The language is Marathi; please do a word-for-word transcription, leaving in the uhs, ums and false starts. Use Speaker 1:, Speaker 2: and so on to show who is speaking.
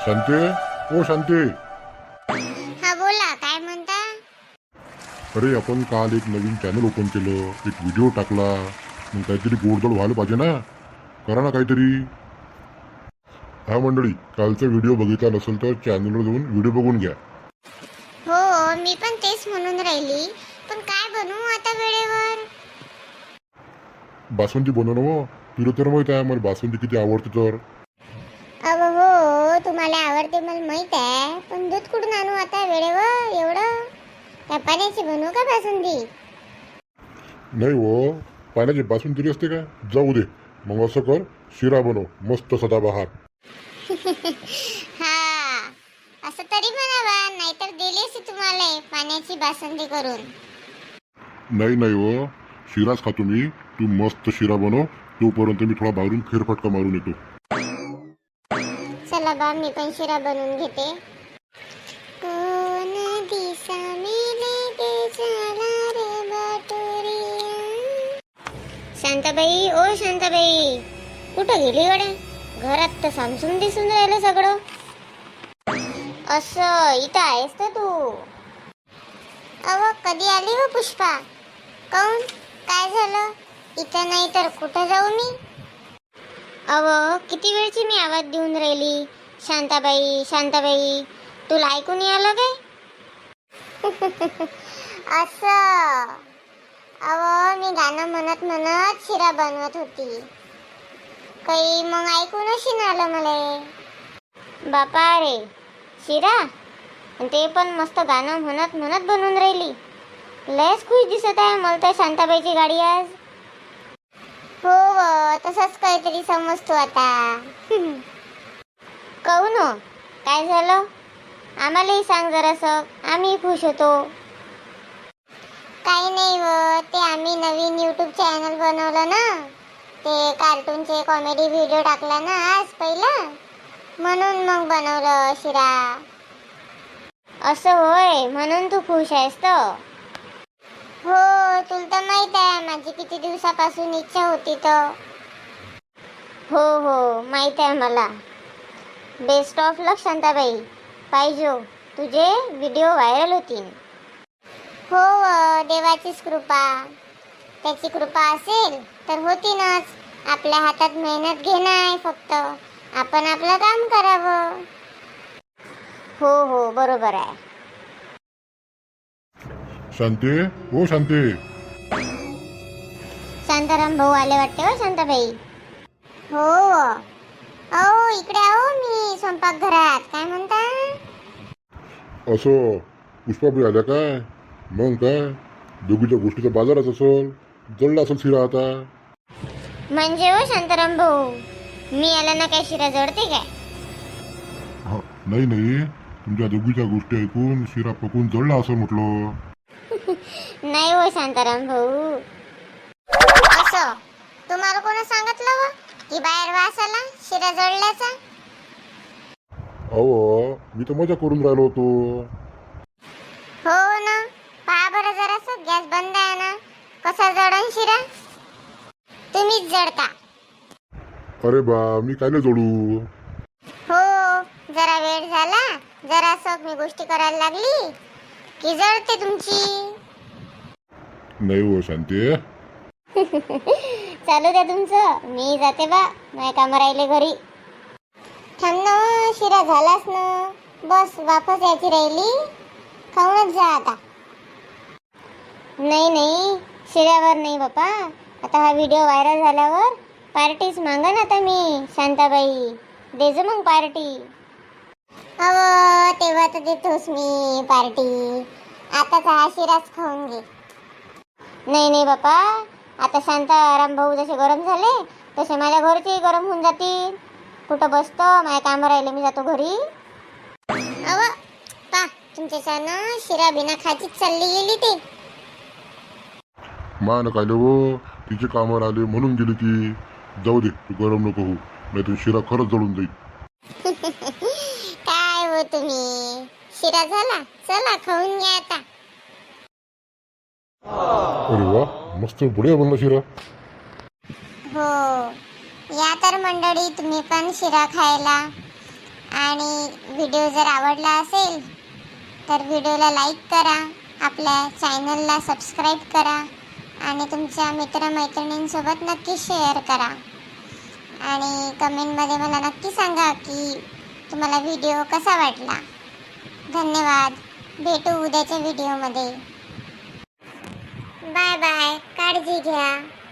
Speaker 1: शांते, ओ शांते.
Speaker 2: हा बोला, काय म्हणता?
Speaker 1: अरे आपण काल एक नवीन चॅनल ओपन केलं, एक व्हिडिओ टाकला, मग काहीतरी गोडधोड व्हायला पाहिजे ना. करा ना काहीतरी. हा मंडळी, कालचा व्हिडिओ बघितला नसेल तर चॅनलवर जाऊन व्हिडिओ बघून घ्या.
Speaker 2: हो, मी पण तेच म्हणून राहिली, पण काय बनवू आता वेळेवर?
Speaker 1: बासुंदी बनव ना. तुला तर माहित आहे मला बासुंदी किती आवडते तर.
Speaker 2: अव हो, तुम्हाला आवडते मला माहित आहे, पण दूध कुठून आणू आता वेळेवर एवढं? त्या पाण्याची बनवू का बासुंदी?
Speaker 1: नाही हो, पाण्याची बासुंदी असते का? जाऊ दे, मग असं कर, शिरा बनव मस्त सदाबहार.
Speaker 2: हा, असं तरी म्हणावा, नाहीतर दिली असती तुम्हाला पाण्याची बासुंदी करून.
Speaker 1: नाही नाही हो, शिराच खातो मी. तू मस्त शिरा बनव, तोपर्यंत मी थोडा बाहेरून फेरफटका मारून येतो.
Speaker 2: चला बा, मी पण शिरा बनवून घेते. कोण दिसा मेले ते झाला रे बाटुरिया. शांताबाई, ओ शांताबाई, कुठं गेली गड्या? घरात तर सामसूम दिसून राहिलं सगळं. असं इथं आहेस तर तू? अव कधी आली हो पुष्पा? काऊन, काय झालं? इथं नाही तर कुठं जाऊ मी? अव किती वेळची मी आवाज देऊन राहिली, शांताबाई शांताबाई, तुला ऐकून नाही आलं काय? असं, अव मी गाणं म्हणत म्हणत शिरा बनवत होती, काही मग ऐकूनच नाही आलं मला. बापा रे, शिरा ते पण मस्त गाणं म्हणत म्हणत बनवून राहिली. लयच खुश दिसत आहे मला तर शांताबाईची गाडी आज. हो व, तसंच काहीतरी समजतो आता. कहू न, काय झालं? आम्हालाही सांग जरासं, आम्ही खुश होतो. काही नाही व, ते आम्ही नवीन यूट्यूब चॅनल बनवलं ना, ते कार्टूनचे कॉमेडी व्हिडिओ टाकला ना आज पहिला, म्हणून मग बनवलं शिरा. असं होय, म्हणून तू खुश आहेस तर? हो, तुला तर माहित आहे माझी किती दिवसापासून इच्छा होती तर. हो हो, माहित आहे मला. बेस्ट ऑफ लक शांताबाई, पाहिजे तुझे व्हिडिओ व्हायरल होतील. हो, देवाचीच कृपा, त्याची कृपा असेल तर होतीनच. आपल्या हातात मेहनत घेणं आहे फक्त, आपण आपलं काम करावं. हो हो, बरोबर आहे.
Speaker 1: शांते, ओ शांते.
Speaker 2: शांताराम भाऊ आले वाटते हो शांताबाई. हो, अहो इकडे आहो, मी स्वयंपाकघरात. काय म्हणता?
Speaker 1: असं पुष्पाबाई आल्या काय? मग काय, दोघीच्या गोष्टीचा बाजारच असेल, जळला असेल शिरा आता.
Speaker 2: म्हणजे हो शांताराम भाऊ, मी आला ना काय शिरा जळते काय?
Speaker 1: हा, नाही नाही, तुमच्या दोघीच्या गोष्टी ऐकून शिरा पकून जळला असं म्हटलं.
Speaker 2: नाही हो शांताराम भाऊ. असं तुम्हाला कोण सांगितलं व की बाहेर वास आला शिरा जळल्याचा?
Speaker 1: अहो, मी तर मजा करून राहिलो होतो.
Speaker 2: हो ना, पहा बरं जरासं, गॅस बंद आहे ना, कसा जळण शिरा? तुम्हीच जळता.
Speaker 1: अरे बा, मी कायले जोडू?
Speaker 2: हो, जरा वेळ झाला, जरासं मी गोष्टी करायला लागली की जळते तुमची.
Speaker 1: नाही हो शांते.
Speaker 2: चालू द्या तुमचं, मी जाते बा, माझ्या काम राहिले घरी. थांब ना, शिरा झालाच ना, बस वापस यायची राहिली, खाऊनच जा आता. नाही नाही, शिऱ्यावर नाही बापा, आता हा व्हिडिओ व्हायरल झाल्यावर पार्टीच मागन आता मी. शांताबाई देजो मग पार्टी. अव तेव्हा तर देतोस मी पार्टी, आता हा शिराच खाऊन घे. नाही नाही बापा, आता शांताराम भाऊ जसे गरम झाले तसे माझ्या घरचे गरम होऊन जातील. कुठं बसतो, माझ्या काम राहिले, मी जातो घरी. अव पा, तुमच्या छान शिरा बिना खाचीच चालली गेली ते.
Speaker 1: मान काय हो, तिचे कामावर आले म्हणून गेली ती. जाऊ दे, तू गरम नको हो, नाही तर शिरा खरंच जळून जाईल.
Speaker 2: काय हो तुम्ही, शिरा झाला, चला खाऊन घ्या आता.
Speaker 1: अरे वा, मस्त बढिया बनला शिरा.
Speaker 2: हो, या तर मंडळी तुम्ही पण शिरा खायला. आणि व्हिडिओ जर आवडला असेल तर व्हिडिओला लाईक करा, आपल्या चॅनलला सबस्क्राईब करा आणि तुमच्या मित्रमैत्रिणींसोबत नक्की शेअर करा. आणि कमेंटमध्ये मला नक्की सांगा की तुम्हाला व्हिडिओ कसा वाटला. धन्यवाद. भेटू उद्याच्या व्हिडिओमध्ये. Bye bye. काळजी घ्या.